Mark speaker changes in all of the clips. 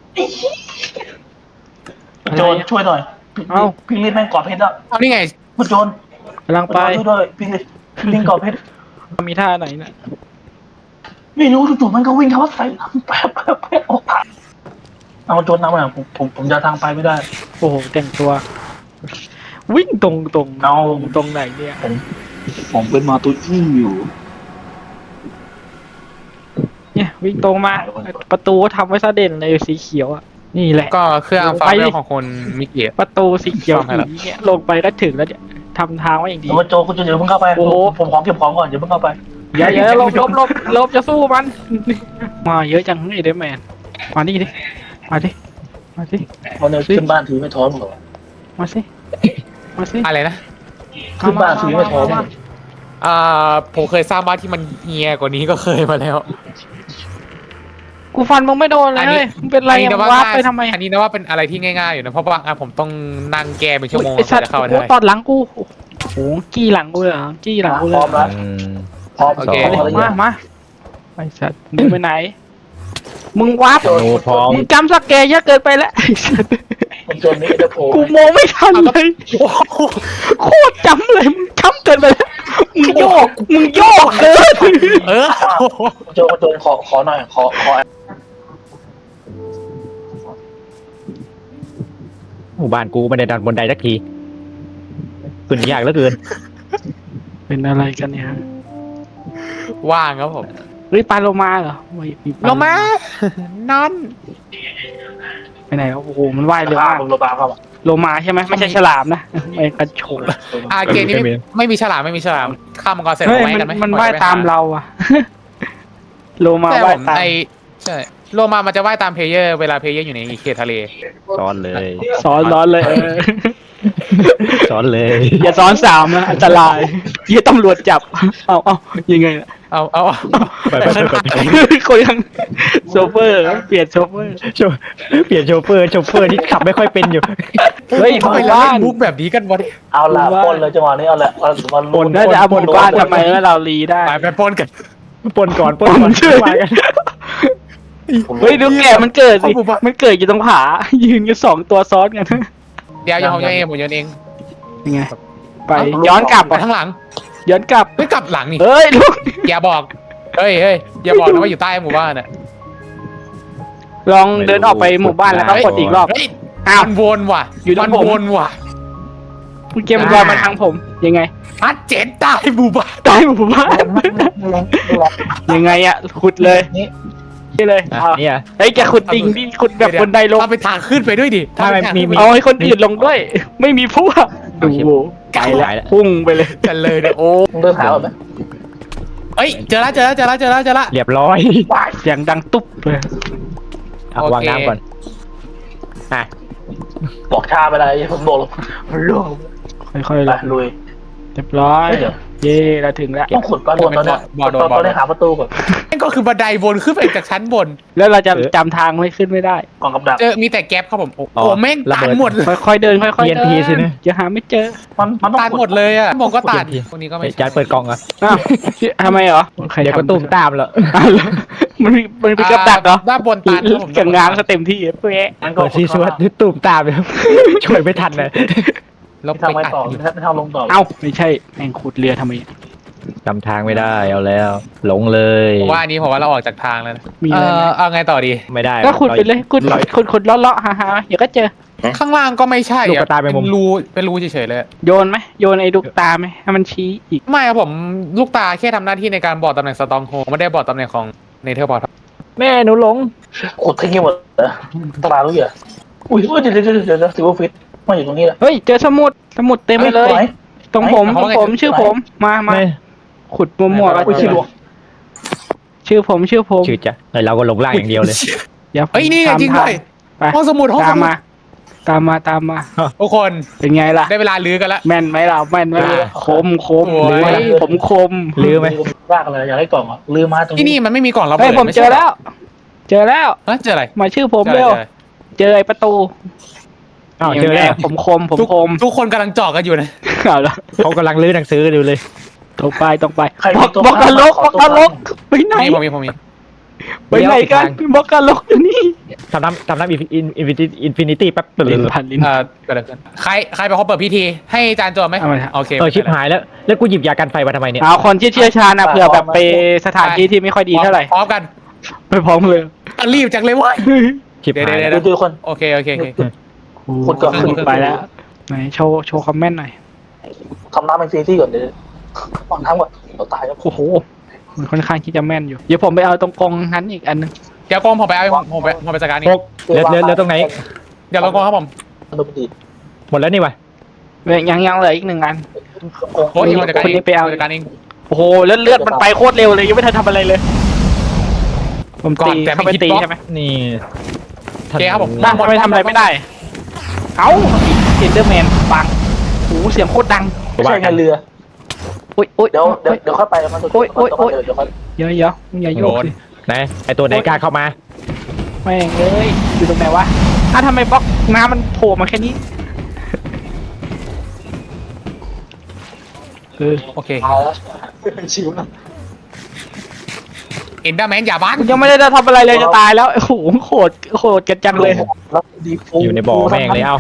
Speaker 1: โจรช่วยหน่อยพี่ลินแม่งกอดเพชรอ่ะ
Speaker 2: เอานี่ไง
Speaker 1: มันโจร
Speaker 3: กำลังไป
Speaker 1: ช่วยด้วยพี่ลินกอดเพชร
Speaker 3: มีท่าไหนน่ะ
Speaker 1: ไม่รู้จู่ๆมันก็วิ่งเข้าใส่แป๊บออกผ่านเอาโจรนำมาผมจะทางไปไม่ได้
Speaker 3: โอ้โหแต่งตัว วิ่งตรง
Speaker 1: เอา
Speaker 3: ตรงไหนเนี่ย
Speaker 1: ผมเป็นมาตุอี้อยู่
Speaker 3: เนี่ยวิ่งตรงมาประตูทำไว้ซะเด่นเลยสีเขียวอ่ะนี่แหละ
Speaker 2: ก็เครื่องฟาร์มเวลของคนมิเกะ
Speaker 3: ประตูสีเขียว
Speaker 2: ซ่อมให้แล้ว
Speaker 3: เนี่ยลงไปก็ถึงแล้วเนี่ยทำทางไว้อย่างดี
Speaker 1: คุณโจคุณโจอย่าเพิ่งเข้าไป
Speaker 3: โอ้โห
Speaker 1: ผมขอเก็บของก่อนอย่าเพิ่งเข้าไป
Speaker 3: อย่าลบจะสู้มัน มาเยอะจังไอ้เดมแมนมาดิมาดิ
Speaker 1: วันนี้ขึ้นบ้านถือไม่ท้อนหรอ
Speaker 3: มาสิ
Speaker 2: อะไรนะ
Speaker 1: ขึ้นบ้านถือไม่ท้อน
Speaker 2: ผมเคยสร้างบ้านที่มันเฮียกว่านี้ก็เคยมาแล้ว
Speaker 3: กูฟันมึงไม่โดนเลยมึงเป็นไรมึงวาร์ปไปทำไม
Speaker 2: อันนี้นะว่าเป็นอะไรที่ง่ายๆอยู่นะเพราะว่าผมต้องนั่งแก้เป็นชั่วโมง
Speaker 3: ไอ้สัตว์
Speaker 2: จะเข้า
Speaker 3: โอ้
Speaker 2: ได้
Speaker 3: ตอดหลังกูโอ้โหจี้หลังกูเลยเหรอจี้หลังกู
Speaker 1: พ
Speaker 3: เล
Speaker 1: ร้อย มแล้วพร้อม
Speaker 2: โอเค
Speaker 3: มาไอ้สัตว์มึงไปไหนมึงวาร์ป
Speaker 4: โนพร้อม
Speaker 3: มึงจำสแกเยอะเกินไปแล้วไอ้สัตว์
Speaker 1: คุณโจนี่จะโผล่
Speaker 3: กูมองไม่ทันเลยโคตรจำเลยมึงจำเกินไปแล้วมึงโยกเกิน
Speaker 1: คุณโจขอหน่อยขอ
Speaker 4: หมู่บ้านกูไม่ได้ดันบนไดสักทีขึ้นยากเหลือเกิน
Speaker 3: เป็นอะไรกันเนี่ย
Speaker 2: ว่างครับผม
Speaker 3: เฮ้ยปลาโลมาเหรอไม่มีป
Speaker 2: ลงมา นอน
Speaker 3: ไปไหนวะโอ้โหมันว่ายเร็วมาก
Speaker 1: โรบาเข้ามา
Speaker 3: โลมาใช่ไหมไม่ใช่ฉลามนะไม่กระโฉบ
Speaker 2: เกมนี้ไม่มีฉลามข้ามมังกรเสร็จ
Speaker 3: เฮ้ย
Speaker 2: ไว้กันไหม
Speaker 3: มันว่ายตามเราอะ โลมา
Speaker 2: แต่
Speaker 3: ว่าย
Speaker 2: ผม
Speaker 3: ตาม
Speaker 2: ใช่โลมามันจะว่ายตามเพลเยอร์เวลาเพลเยอร์อยู่ในเขตทะเล
Speaker 4: ซ้อนเลย
Speaker 3: ซ้อนเลย
Speaker 4: ซ้อนเลย
Speaker 3: อย่าซ้อนสามนะอันตรายเยี่ยตำรวจจับเอายังไงล่ะ
Speaker 2: เอา
Speaker 4: ไป
Speaker 3: คนยังโชเฟอร์เปลี่ยนโชเฟอร์
Speaker 4: เปลี่ยนโชเฟอร์ที่ขับไม่ค่อยเป็นอยู่
Speaker 3: เฮ้ย
Speaker 2: ทำไมเราเล่นมุกแบบนี้กันวะ
Speaker 1: เอาละปนเลยจังหวะนี้เอาละมัน
Speaker 3: น่าจะเอาบนบ้านทำไมแล้วเรารีได้
Speaker 2: ไปปนกัน
Speaker 4: ปนก่อนมากัน
Speaker 3: เฮ้ยดูแกมันเกิดสิมันเกิดอยู่ตรงผายืนกันสองตัวซ้อนกัน
Speaker 2: เดี๋ยวผมโยนเอง
Speaker 3: ยังไงไปย้อนกลับ
Speaker 2: ไปข้างหลัง
Speaker 3: ย้อนกลับ
Speaker 2: ไม่กลับหลังนี่
Speaker 3: เฮ้ยลูก
Speaker 2: อย่าบอกเฮ้ยอย่าบอกนะว่าอยู่ใต้หมู่บ้านน่ะ
Speaker 3: ลองเดินออกไปหมู่บ้านแล้วก็กดอีกรอบ
Speaker 2: เฮ้ย
Speaker 3: อ้าว
Speaker 2: มันวนว่ะ
Speaker 3: อยู่ตรงผม
Speaker 2: วนว่ะ
Speaker 3: คุณเกมรอมาทางผมยังไง
Speaker 2: พัดเจ็ดใต้หมู่บ้าน
Speaker 3: ตายหมู่บ้านยังไงอะขุดเลย
Speaker 1: นี่
Speaker 3: นี่เลย
Speaker 4: เนี่ย
Speaker 3: เฮ้ยแกขุดดิ่งดิขุดแบบบนไดลง
Speaker 2: เอาไปทางขึ้นไปด้วยดิ
Speaker 4: ถ้ามันมี
Speaker 3: เอาให้คนอื่นลงด้วย ไม่มีพวกดูไกลแล้วพุ่งไปเลย
Speaker 2: กันเลยเนี่ยโอ้
Speaker 1: มึงเดินหาแบบไหม
Speaker 2: เอ้ยเจอละ
Speaker 4: เรียบร้อย
Speaker 3: เสียงดังตุ๊บเลย
Speaker 4: วางน้ำก่อน
Speaker 1: บอกชาไปเลยผมบอกมันล่วง
Speaker 3: ค่อยๆ
Speaker 1: ไป
Speaker 3: ลง
Speaker 1: ลุย
Speaker 3: เรียบร้อยเย่เราถึงแล้ว
Speaker 1: ต้องขุดก้อนบนตอนนี้หาประตูก่อน
Speaker 2: นั่นก็คือบันไดวนขึ้นไปจากชั้นบน
Speaker 3: แล้วเราจะจำทางไม่ขึ้นไม่ได้
Speaker 1: กล่องกับดัก
Speaker 2: เจอมีแต่แก๊ปครับผมโอ้แม่งตันหมดเลย
Speaker 3: ค่อยๆเดินค่อยๆเดิ
Speaker 4: TNT สินะ
Speaker 3: จะหาไม่เจอ
Speaker 1: มันต้อง
Speaker 2: ตันหมดเลยอ่ะผมก็ตันพวกนี้ก็ไม่
Speaker 4: จานเปิดกล่องอ่ะ
Speaker 3: อ้าวทำไมเหรอ
Speaker 4: เดี๋ยวก็ตุ้มตามแล้ว
Speaker 3: มันมีกับดักเหรอ
Speaker 2: ด้านบนตันครับผม
Speaker 3: กับงานก็เต็มที่เป๊ะ
Speaker 1: มันก็
Speaker 4: เปิดซีซัวตุ้มตามเลยช่วยไม่ทันเลย
Speaker 2: ลบ
Speaker 1: ทำ
Speaker 2: ไป
Speaker 1: ไม่
Speaker 2: ตัด
Speaker 1: ต่อไม่ทำลงต่อ
Speaker 3: เอ้าไม่ใช่แม่งขุดเรือทำไม
Speaker 4: จำทางไม่ได้เอาแล้ว หลงเลย
Speaker 2: ผมว่าอันนี้ผมว่าเราออกจากทางแล้วนะ
Speaker 3: มีอะไรไหม
Speaker 2: เอาไงต่อดี
Speaker 4: ไม่ได้
Speaker 3: ก็ขุดไปเลยขุดเลาะๆหาๆเดี๋ยวก็เจอ
Speaker 2: ข้างล่างก็ไม่ใช่
Speaker 4: ลูกกระตายไปมุม
Speaker 2: เป็นรูเฉยๆเลย
Speaker 3: โยนไหมโยนไอ้ลูกตาไหมให้มันชี้อีก
Speaker 2: ไม่ครับผมลูกตาแค่ทำหน้าที่ในการบอกตำแหน่งสตองโฮไม่ได้บอกตำแหน่งของเนเธอร์บอร์ด
Speaker 4: แม่หนูหลง
Speaker 1: ขุดทิ้งหมดตลาดรู้อย่างอุ้ยเดี๋ยวซิลเวอร์ฟิตมาอยู่ตรงนี้แหละ
Speaker 3: เฮ้ยเจอสมุดเต็มไปเลย ตรงผมชื่อผมมาขุดมั่วๆก็
Speaker 1: อุ้ย
Speaker 3: เจ
Speaker 1: ชิล
Speaker 3: อ
Speaker 1: วง
Speaker 3: ชื่อผม
Speaker 4: ชื่อจะเราก็หลงล่างอย่างเดียวเลย
Speaker 3: อย่า
Speaker 2: เฮ้ยนี่จริงด้วย
Speaker 3: ไป
Speaker 2: ห้องสมุด
Speaker 3: ตามมา
Speaker 2: ทุกคน
Speaker 3: เป็นไงล่ะ
Speaker 2: ได้เวลาลื้อกันละ
Speaker 3: แม่นไหมเราแม่นไหมคม
Speaker 2: โอ้ย
Speaker 3: ผมคม
Speaker 4: ลื้อไหม
Speaker 1: รากอะไรอยากให้กล่องอ่ะลืมมาตรง
Speaker 2: ที่นี่มันไม่มีกล่องระเบิ
Speaker 3: เฮ้ย
Speaker 2: ด
Speaker 3: ผมเจอแล้ว
Speaker 2: เจออะไร
Speaker 3: มาชื่อผมเร็วเจอไอ้ประตู
Speaker 4: อ้าวเจอแล้ว
Speaker 3: ผมคม
Speaker 2: ทุกคนกำลังเจาะกันอยู่นะ
Speaker 3: เอาละ
Speaker 4: เขากำลังลื้อหนังสืออยู่เลย
Speaker 3: ตรงไป
Speaker 1: ใคร
Speaker 3: บอกนรกไปไหน
Speaker 2: ผมมี
Speaker 3: ไปไหนกันบอกกันลกอยู่นี่
Speaker 4: ทำน้ำอินฟินิตี้แป๊บ
Speaker 3: ลิ้นพันลิ้น
Speaker 2: เกิดอะไรขึ้นใครเป็นคนเปิดพิธีให้จานโจไหม
Speaker 3: เอามาครับ
Speaker 2: โอเค
Speaker 4: ชิบหายแล้วกูหยิบยากันไฟมาทำไมเนี่ย
Speaker 3: เอาคนที่เชี่ยวชาญนะเผื่อแบบไปสถานที่ที่ไม่ค่อยดีเท่าไหร่
Speaker 2: พร้อมกัน
Speaker 3: ไปพร้อมเลย
Speaker 2: รีบจังเลยเว้ย
Speaker 4: ชิบหาย
Speaker 2: เดี๋ยว
Speaker 1: ดูคน
Speaker 2: โอเค
Speaker 1: คนก่อนขึ้น
Speaker 3: ไปแล้วไหนโชว์คอมเมนต์หน่อย
Speaker 1: ทำน้ำเป็นซีที่ก่อนเดี๋ยววางน้ำก่อนเราตายแล้ว
Speaker 3: โอ้โหมันค่อนข้างที่จะแม่นอยู่เดี๋ยวผมไปเอาตรงกองนั้นอีกอันนึง
Speaker 2: เดี๋ยวกองผมไปเอาผมไปจัดการนี่
Speaker 4: พกเหลือตรงไหน
Speaker 2: เดี๋ยวลงกองครับผม
Speaker 1: ดูดี
Speaker 4: หมดแล้วนี่วะ
Speaker 3: ยังเหลืออีก1 อัน
Speaker 2: โอ้ยผมจัดการ
Speaker 3: คนนี้ไปเอา
Speaker 2: จัดการเอง
Speaker 3: โอ้โหเลือดมันไปโคตรเร็วเลยยังไม่ทันทำอะไรเลย ผมตีเข้าไปตีใช่ไหม
Speaker 4: นี่
Speaker 2: โอเคครับผม
Speaker 3: บ้าทำไมทำอะไรไม่ได้ เอ้าเอ็นเดอร์แมนบังโอ้เสียงโคตรดัง
Speaker 1: ไม่ใช่ไงเรือ
Speaker 3: โอ้ย
Speaker 1: เดี๋ยวค่อยไปแล้วมันเดี๋ยวค่อย
Speaker 3: เดี๋ยวอย่าโยกสิ
Speaker 4: ไหนไอตัวไหนกล้าเข้ามา
Speaker 3: แม่งเลยอยู่ตรงไหนวะทำไมบล็อกน้ำมันโผล่มาแค่นี้
Speaker 2: โอเค
Speaker 1: เอาแล้วชิวนะ
Speaker 2: เอ็นเดอร์แมนอย่าบัง
Speaker 3: ยังไม่ได้ทำอะไรเลยจะตายแล้วโอ้โหโหดกันจังเลย
Speaker 1: แล้วดี
Speaker 4: อยู่ในบ่อแม่งเลยเอ้า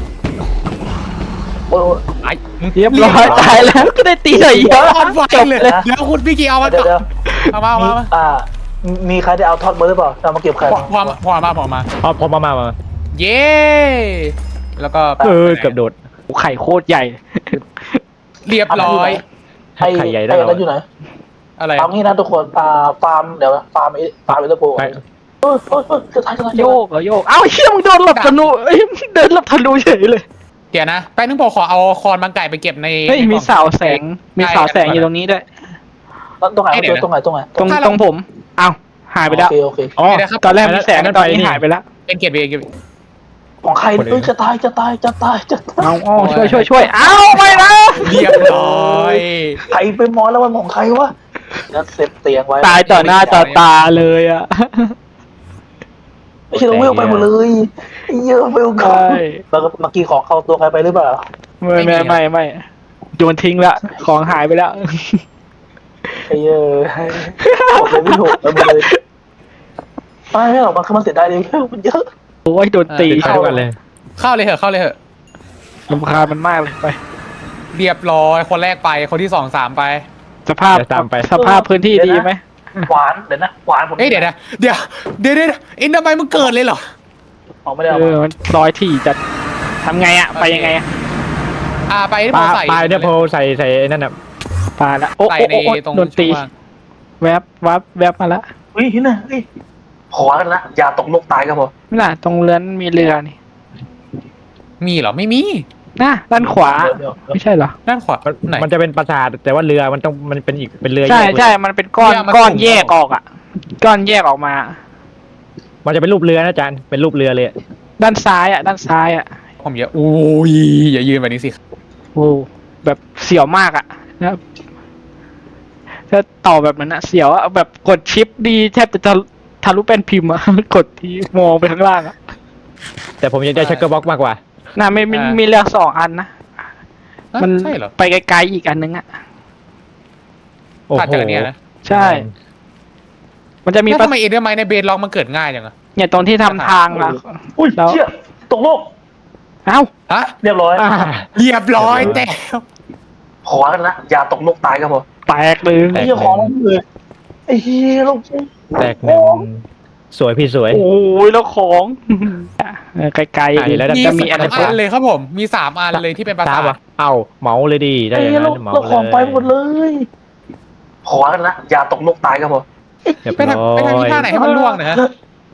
Speaker 1: โอ้
Speaker 2: ไอ้มึง
Speaker 3: เรียบร้อยตายแล้วก็ได้ตีหน่อยเยอะ
Speaker 2: เอาไฟ
Speaker 3: จบ
Speaker 2: เลย
Speaker 3: เลย
Speaker 2: เดี๋ยวคุณพี่กีเอามา
Speaker 1: เดี๋ยว
Speaker 2: เอามา
Speaker 1: มีใครได้เอาทอดเบอร์หรือเปล่าเอามาเก็บไข่
Speaker 2: พอมา
Speaker 4: พอมา
Speaker 2: เย้แล้วก็
Speaker 4: เกือบโดด
Speaker 3: ไข่โคตรใหญ่
Speaker 2: เรียบร้อย
Speaker 1: ไอ้แล้วอยู่ไหน
Speaker 2: อะไร
Speaker 1: ฟาร์มนี่นะทุกคนฟาร์มเดี๋ยวฟาร์มเอลโปจะตาย
Speaker 3: โยกเหรอโยกเอ้าเชี่ยมึงโดนหลบธนูเอ้ยเดินหลบธนูเฉยเลย
Speaker 2: เดี๋ยวนะแป๊บนึงผมขอเอาคอนบางไก่ไปเก็บใน
Speaker 3: เฮ้ยมีเสาแสงอยู่ตรงนี้ด้วย
Speaker 1: ตรงไหนตรงไหน
Speaker 3: ตรงผมเอ้าหายไปแล้ว
Speaker 1: โอเค
Speaker 3: อ๋อตอนแรกมีแสงตอนนี้หายไปแล้ว
Speaker 2: เป็นเก็บเอง
Speaker 1: ของใครจะตาย
Speaker 3: เอาช่วยเอ้าไม่นะ
Speaker 2: เรียบร้อย
Speaker 1: ใครไปมอแล้วมันของใครวะจะเซฟเตียงไว้
Speaker 3: ตายต่อหน้าต่อตาเลยอ่ะ
Speaker 1: ไม่ใช่เราเวลไปหมดเลยเยอะเวลก่อน
Speaker 3: ใช่
Speaker 1: แล้วเมื่อกี้ของเข้าตัวใครไปหรือเปล่า
Speaker 3: ไม่โยนทิ้งละของหายไปแล้ว
Speaker 1: ไอ้บอกเลยไม่ถูกเลยไม่หรอกมันเสียดายเลยมันเยอะ
Speaker 3: โอ้ยโดนตี
Speaker 4: ไปด้วยกันเลย
Speaker 2: เข้าเลยเหอะ
Speaker 3: รำคาญมันมากเลยไป
Speaker 2: เรียบร้อยคนแรกไปคนที่2-3ไป
Speaker 3: สภาพพื้นที่ดีไหม
Speaker 1: หวานเดี๋ยวนะหวานผม
Speaker 2: เดี๋ยวเอ็นทำไมมึงเกิดเลยเหรอ
Speaker 1: ออกไม่ได้เอา
Speaker 3: มันร้อยที่จะทำไงอ่ะไปยังไงอ่ะ
Speaker 2: ไปที่
Speaker 4: ป
Speaker 2: ผ
Speaker 4: ลาม
Speaker 2: ใส่
Speaker 4: เนี่ยโพใส่นั่นน่ะ
Speaker 3: ปลาละโอ้
Speaker 2: ใส่ในตรง
Speaker 3: โดนตีแวบมาละ
Speaker 1: เฮ้ยนะเฮ้ยขอกันนะอย่าตกลงตายครับผม
Speaker 3: ไม่น่ะตรงเรือนมีเรือนี่
Speaker 2: มีเหรอไม่มี
Speaker 3: น่ะด้านขวาไม่ใช่เหรอ
Speaker 2: ด้านขวาไหน
Speaker 4: มันจะเป็นปราสาทแต่ว่าเรือมันเป็นอีกเป็นเรือ
Speaker 3: ใช่มันเป็นก้อนแยกออกอ่ะก้อนแยกออกมา
Speaker 4: มันจะเป็นรูปเรือนะอาจารย์เป็นรูปเรือเลย
Speaker 3: ด้านซ้ายอ่ะ
Speaker 2: ผมเยอะโอ้ยอย่ายืนแบบนี้สิ
Speaker 3: โอ้แบบเสียวมากอ่ะนะครับถ้าต่อแบบนั้นอะเสียวอะแบบกดชิปดีแทบจะทะลุแป้นพิมพ์อะ กดที่มองไปข้างล่างอะ
Speaker 4: แต่ผมยังได้ชักเกอร์บ็อกมากกว่า
Speaker 3: น่าไม่มีเรือ2 อันนะมัน
Speaker 2: ใช่เหรอ
Speaker 3: ไปไกลๆอีกอันนึงอะ
Speaker 4: โอ้โห
Speaker 2: ขาดจากเนี่ยนะ
Speaker 3: ใช่ มันจะมี
Speaker 2: แล้วทำไมเอ็นเดอร์ไมในเบสล็อกมันเกิดง่ายจังอะ
Speaker 3: เนี่ยตรงที่ทำทางอะ
Speaker 1: อุ้ยเชี่ยตกโลก
Speaker 3: เอ้า
Speaker 2: ฮะ
Speaker 1: เรียบร้อย
Speaker 2: เรียบร้อยแต่
Speaker 1: ขอกันนะอย่าตกลงตายครับผม
Speaker 3: แตกเลย
Speaker 1: ไอ้เหี้ยของเลยไอ้เหี้ยลูก
Speaker 4: แตกหนึ่งสวยพี่สวย
Speaker 3: โอ้ยแล้วของไกล
Speaker 4: อ่ะเดี๋ยวแล้ว
Speaker 3: ๆจะมีอะไร
Speaker 2: 3 อันเลยครับผมมี3 อันเลยที่เป็นภาษา
Speaker 4: วะเอาเหมาเลยดีได้
Speaker 1: ไอ้
Speaker 4: อย่าง
Speaker 1: เหี้ย
Speaker 4: นั้
Speaker 1: ลูก
Speaker 4: นเหมา
Speaker 1: เรา
Speaker 4: เล
Speaker 1: ของไปหมด
Speaker 4: ย
Speaker 1: เลยขอกันนะอย่าตกลงตายครับผม
Speaker 4: เรียบ
Speaker 2: ไป
Speaker 4: ร้
Speaker 2: ทำ
Speaker 4: อ
Speaker 2: ที่
Speaker 4: ย
Speaker 2: ท่าไหนให้มันล่วงนะฮะ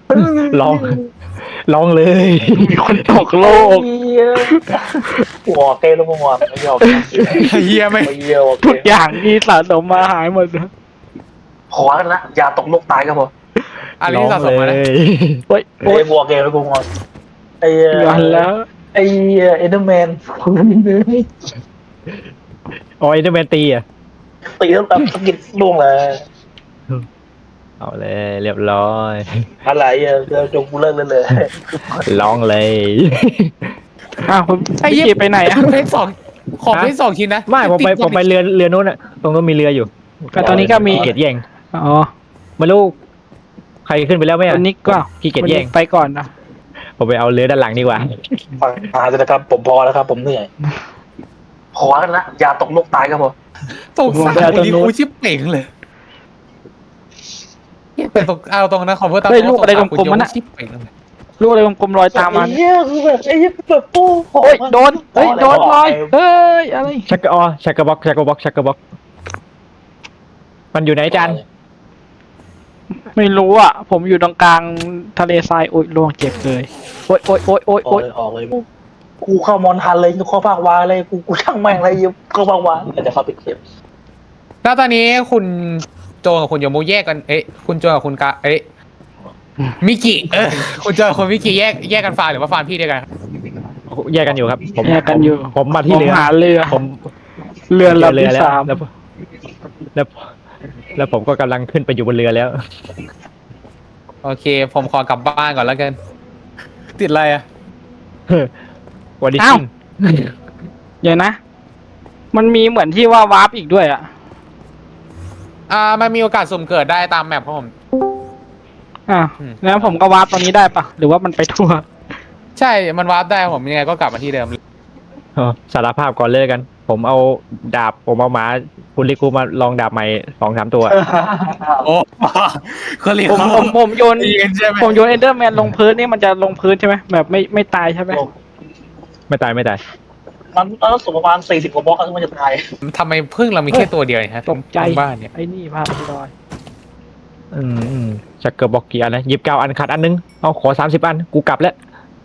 Speaker 4: ลองเลย
Speaker 3: มีคนตกโลก
Speaker 1: หัวเกลงหัวไม่ยอม
Speaker 2: เฮียไม่
Speaker 1: ไม่เยี่ยว
Speaker 3: ทุกอย่างที่สะสมมาหายหมดเลย
Speaker 1: ขอกันนะอย่าตกลงตายครับผม
Speaker 2: อะไรที่สะสมมานะ
Speaker 3: โอ้ย
Speaker 1: ไอ้หัวเกลงหัวไอ้
Speaker 3: ย้อนแล้ว
Speaker 1: ไอ้เอเดอร์แมน
Speaker 4: โอ้ยนี่เป็นตีอ่ะ
Speaker 1: ตีแล้วแบบสกิดล่วงเลย
Speaker 4: เอาเลยเรียบร้อย
Speaker 1: อะไรอ่ะจงกูเลิกเลย
Speaker 4: ลองเลย
Speaker 3: อ้าวคุณ
Speaker 2: ไอ้
Speaker 3: พี่
Speaker 2: เหี้ย
Speaker 3: กีไปไหนอะ
Speaker 2: เพชรของเพชร2 ชิ้นนะ
Speaker 4: ไม่ผมไปเรือนู้นอ่ะตรงนู้นมีเรืออยู่
Speaker 3: ก็ตอนนี้ก็มี
Speaker 4: เกียรติแย่ง
Speaker 3: อ๋อ
Speaker 4: ไม่รู้ใครขึ้นไปแล้วไหม
Speaker 3: วั
Speaker 4: อ่ะ
Speaker 3: นนี้ก็
Speaker 4: ขี้เกียจ
Speaker 3: วัน
Speaker 4: แย่
Speaker 3: นี้
Speaker 4: ง
Speaker 3: ไปก่อนนะ
Speaker 4: ผมไปเอาเรือด้านหลังดีกว่า
Speaker 1: ฟังหาเลยนะครับผมพอแล้วครับผมเหนื่อยพอแล้วนะอย่าตกลูกตายครับผม
Speaker 2: ตกสารกูนี่กูชิบเป่งเลยเป็นตกเอาตรงนะขอเพื่อตาม
Speaker 3: เฮ้ยลูกอะไรกลมๆมัน
Speaker 2: นะ
Speaker 3: น่ะ
Speaker 2: ชิบเป่งเลย
Speaker 3: ลูกอะไรกลมๆลอยตามมา
Speaker 1: ไอ้เหี้ยคือแบบไอ้เหี้ยแบบโอ้
Speaker 3: โอ้ยโดนเฮ้ยโดนลอยเฮ้ยอะไร
Speaker 4: ชักกะชักกะบ็อกชักกะบ็อกชักกะบ็อกมันอยู่ไหนจัน
Speaker 3: ไม่รู้อ่ะผมอยู่ตรงกลางทะเลทรายโอ้ยลวงเจ็บเลยโอ้ยโอ้ยโอ้ยโอ้ย
Speaker 1: ออ
Speaker 3: โอ้
Speaker 1: ก
Speaker 3: ย
Speaker 1: เลยออกเลยกูเข้ามอนทันเลยกูเข้าภาควาเลยกูช่างแม่งเลยเข้าภาควาแต่จะเข้าไปเก็บ
Speaker 2: แล้วตอนนี้คุณโจกับคุณโยมูแยกกันคุณโจกับคุณกะมิกิคุณโจกับคุณมิกิแยกกันฟาร์มหรือว่าฟาร์มพี่เดียวกัน
Speaker 4: แยกกันอยู่ครับผม
Speaker 3: แยกกันอยู่
Speaker 4: ผมมาที่
Speaker 3: ผม
Speaker 4: เรือ
Speaker 3: หาเรือ
Speaker 4: ผม
Speaker 3: เรือลำ
Speaker 4: เรือ
Speaker 3: ที่
Speaker 4: แล้ว
Speaker 3: สาม
Speaker 4: แล้วผมก็กำลังขึ้นไปอยู่บนเรือแล้ว
Speaker 2: โอเค ผมขอกลับบ้านก่อนแล้วกัน ติดอะไรอ่ะ
Speaker 4: วันนี้
Speaker 3: อ้าวเดี๋ยวนะ มันมีเหมือนที่ว่าวาร์ปอีกด้วยอ่ะ
Speaker 2: มันมีโอกาสสุ่มเกิดได้ตามแมปของผม
Speaker 3: อ่ะ
Speaker 2: อืม
Speaker 3: แล้วผมก็วาร์ปตอนนี้ได้ปะหรือว่ามันไปทั่ว
Speaker 2: ใช่มันวาร์ปได้ผมยังไงก็กลับมาที่เดิม
Speaker 4: สารภาพก่อนเลยกัน ผมเอาหมาคุณลิกูมาลองดาบใหม่2-3 ตัว
Speaker 2: โอ้เขาเรียก
Speaker 3: ผมโยน
Speaker 2: ตีกันใช่ไหม
Speaker 3: ผมโยนเอนเดอร์แมนลงพื้นนี่มันจะลงพื้นใช่ไหมแบบไม่ตายใช่ไหม
Speaker 4: ไม่ตายไม่ตาย
Speaker 1: มันต้องสูงประมาณ40 กว่าบล็อกแล้วมันจะตาย
Speaker 2: ทำไมพึ่งเรามีแค่ตัวเดียวเนี่ยฮะ
Speaker 3: ตกใจ
Speaker 2: ทั้งบ้านเนี่ย
Speaker 3: ไอ้นี่ภาพลอย
Speaker 4: ชักเกอร์บอกกี่อันนะ29 อันขาดอันนึงเอาขอ30 อันกูกลับแล้ว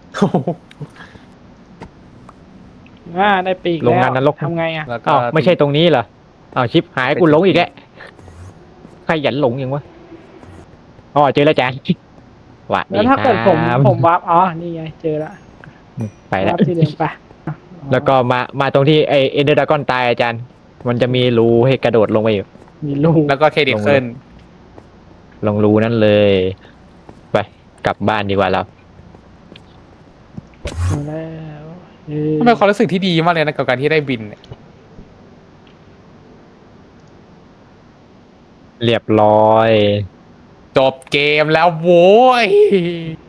Speaker 3: ได้ปีก
Speaker 4: โรงงานนรก
Speaker 3: ทำไงอ่ะ
Speaker 2: แล้วก็
Speaker 4: อ้าวไม่ใช่ตรงนี้เหรออ้าวชิปหายกูหลงอีกแล้วใครหยันหลงยังวะอ๋อเจอแล้วจ้าว่ะ
Speaker 3: แล้วถ้าเกิดผมวาร์ปอ๋อนี่ไงเจอละ
Speaker 4: ไปแล้ว
Speaker 3: วาร์ปที่เดิมไป
Speaker 4: แล้วก็มาตรงที่ไอเอเดอร์ดากอนตายอาจารย์ มันจะมีรูให้กระโดดลงไปอยู่
Speaker 3: มีลูก
Speaker 2: แล้วก็เครดิตขึ้น
Speaker 4: ลงรูนั่นเลย ไปกลับบ้านดีกว่าเรา
Speaker 3: มาแล้วเอ้ย
Speaker 2: มันเป็นความรู้สึกที่ดีมากเลยนะกับการที่ได้บินเนี่ย
Speaker 4: เรียบร้อย
Speaker 2: จบเกมแล้วโว้ย